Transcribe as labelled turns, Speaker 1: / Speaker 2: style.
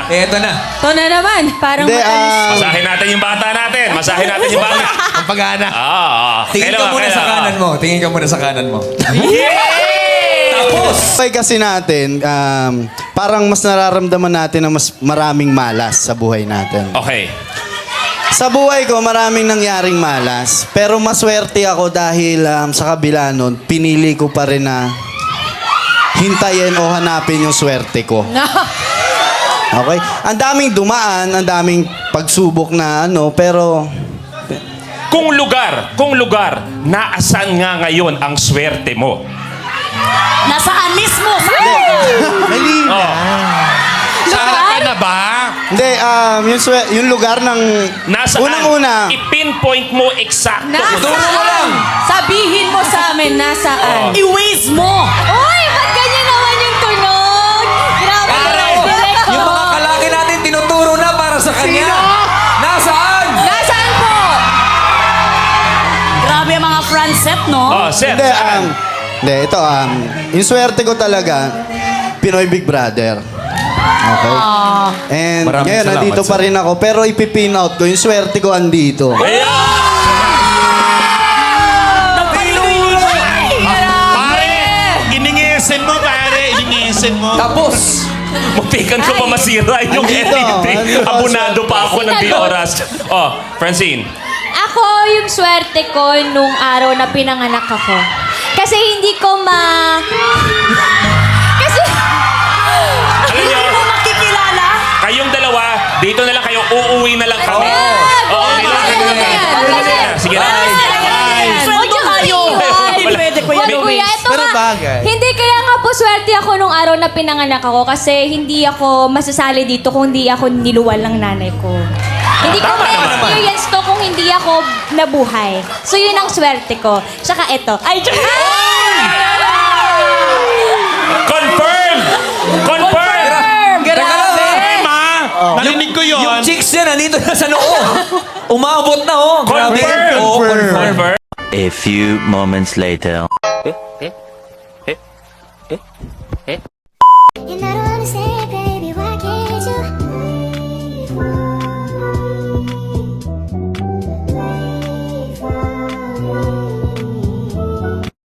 Speaker 1: Eto na.
Speaker 2: Ito na naman. Parang
Speaker 3: Hindi,
Speaker 2: matalis.
Speaker 4: Masahin natin yung bata natin. Masahin natin yung bata.
Speaker 1: Ang pag-ana. Tingin ka
Speaker 4: Kailangan,
Speaker 1: muna sa
Speaker 4: kailangan.
Speaker 1: kanan mo. Tingin ka muna sa kanan mo.
Speaker 4: Tapos!
Speaker 3: Buhay kasi natin, parang mas nararamdaman natin na mas maraming malas sa buhay natin.
Speaker 4: Okay.
Speaker 3: Sa buhay ko, maraming nangyaring malas. Pero maswerte ako dahil sa kabila nun, pinili ko pa rin na hintayin o hanapin yung swerte ko. Okay? Ang daming dumaan, ang daming pagsubok na ano,
Speaker 4: Kung lugar, naasan nga ngayon ang swerte mo?
Speaker 5: Nasaan mismo?
Speaker 3: Malina.
Speaker 4: Oh.
Speaker 1: Saan ka na ba?
Speaker 3: Hindi, yung lugar ng...
Speaker 4: Nasaan?
Speaker 3: Unang-una.
Speaker 4: I-pinpoint mo eksakto.
Speaker 1: Turo mo lang.
Speaker 2: Sabihin mo sa amin nasaan.
Speaker 5: I-waze mo!
Speaker 2: Uy, ba't ganyan naman yung tunog? Grabe
Speaker 1: Pare,
Speaker 2: naman, direct ko.
Speaker 1: yung mga kalaki natin tinuturo na para sa kanya. Nasaan?
Speaker 2: Nasaan po?
Speaker 5: Grabe ang mga front set, no?
Speaker 4: Oh, sir.
Speaker 3: Hindi,
Speaker 4: saan?
Speaker 3: ito, yung swerte ko talaga, Pinoy Big Brother. Okay? And
Speaker 1: Maraming
Speaker 3: ngayon,
Speaker 1: salamat,
Speaker 3: nandito pa
Speaker 1: sir.
Speaker 3: rin ako. Pero ipipin out ko, yung swerte ko andito.
Speaker 6: Pare, iningesen mo, pare. Iningesen mo.
Speaker 1: Tapos,
Speaker 4: Muntikan ko pa masira yung
Speaker 3: Andito,
Speaker 4: editing.
Speaker 3: andito.
Speaker 4: Abunado pa ako ng di oras. Oh, Francine.
Speaker 7: Ako, yung swerte ko nung araw na pinanganak ako. Kasi hindi ko Kasi...
Speaker 4: Alam niyo,
Speaker 5: Hindi mo makikilala?
Speaker 4: kayong dalawa, dito na lang kayo, uuwi na lang kami. Oo, dito na
Speaker 7: Huwag
Speaker 4: lang.
Speaker 7: ganyan.
Speaker 4: Sige na.
Speaker 5: Sweldo tayo. Hindi pwede ko yan.
Speaker 7: Huwag kuya, ito
Speaker 1: Pero
Speaker 7: nga.
Speaker 1: bagay.
Speaker 7: Hindi, kaya nga po swerte ako nung araw na pinanganak ako kasi hindi ako masasali dito kung hindi ako niluwal ng nanay ko. Hindi ko
Speaker 4: Tama naman.
Speaker 7: ma-experience to kung hindi ako nabuhay. So yun ang swerte ko. Tsaka ito. Ay,
Speaker 4: Confirm! Confirm!
Speaker 1: teka lang.
Speaker 6: Ma, narinig ko yun.
Speaker 1: Yung chicks yan, nandito na sa noo. Umabot na, oh. Grabe.
Speaker 4: Confirm!
Speaker 1: Oo,
Speaker 4: Confirm!
Speaker 8: A few moments later.